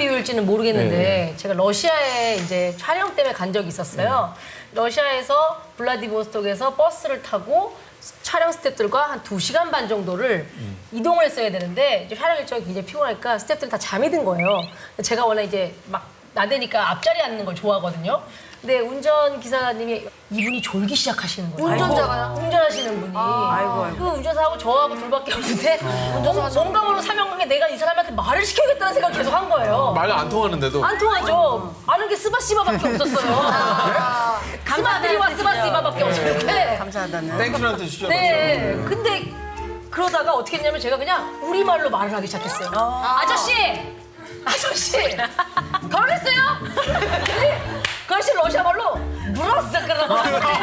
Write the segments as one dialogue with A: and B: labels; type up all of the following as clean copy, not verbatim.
A: 비유일지는 모르겠는데 제가 러시아에 이제 촬영 때문에 간 적이 있었어요. 러시아에서 블라디보스톡에서 버스를 타고 촬영 스태프들과 한 2시간 반 정도를 이동을 했어야 되는데 이제 촬영 일정이 굉장히 피곤하니까 스태프들이 다 잠이 든 거예요. 제가 원래 이제 막 나대니까 앞자리에 앉는 걸 좋아하거든요. 근데 운전 기사님이 이분이 졸기 시작하시는 거예요.
B: 운전자가요?
A: 운전하시는 분이. 그 운전사하고 저하고 둘밖에 없는데 뭔가 모르는 사명관계 내가 이 사람한테 말을 시켜야겠다는 생각 계속 한 거예요.
C: 말 안 통하는데도.
A: 안 통하죠. 아는 게 스바시바밖에 없었어요. 스바드리와 스바시바밖에 없었는데.
B: 감사하다는.
C: 땡큐라는 뜻이죠.
A: 네. 근데 그러다가 어떻게 했냐면 제가 그냥 우리말로 말을 하기 시작했어요. 아저씨! 결혼했어요? 근데 그 아저씨 러시아말로 물었어 그러고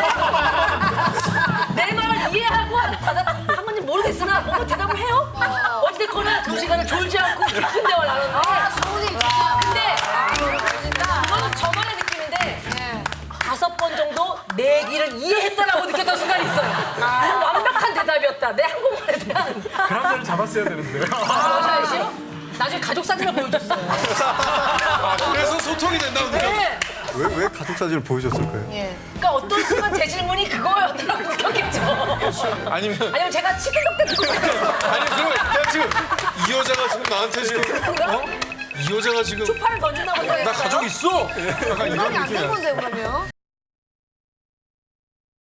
A: 내 말을 이해하고 한 건지 모르겠으나 뭔가 대답을 해요? 어찌됐거나 2시간을 졸지 않고 깊은 대화를 나눴는데 근데 그거는 저만의 느낌인데 5번 정도 내 얘기를 이해했다라고 느꼈던 순간이 있어요. 완벽한 대답이었다. 내 한국말에 대한.
D: 그 남자를 잡았어야 되는데.
A: 러시아 씨요? 나중에 가족 사진을 보여줬어요.
C: 그래서 소통이 된다고 느껴.
A: 네.
E: 왜 가족 사진을 보여줬을까요?
A: 그러니까 어떤 순간 제 질문이 그거였다고 느꼈겠죠. 아니면 제가 치킨덕 때
C: 아니 그럼 내가 지금 이 여자가 지금 나한테 지금 이 여자가 지금
A: 초파를 던진다고
C: 나 가족 있어? 약간 이런
B: 안
C: 느낌이야.
B: 된 건데 그러면.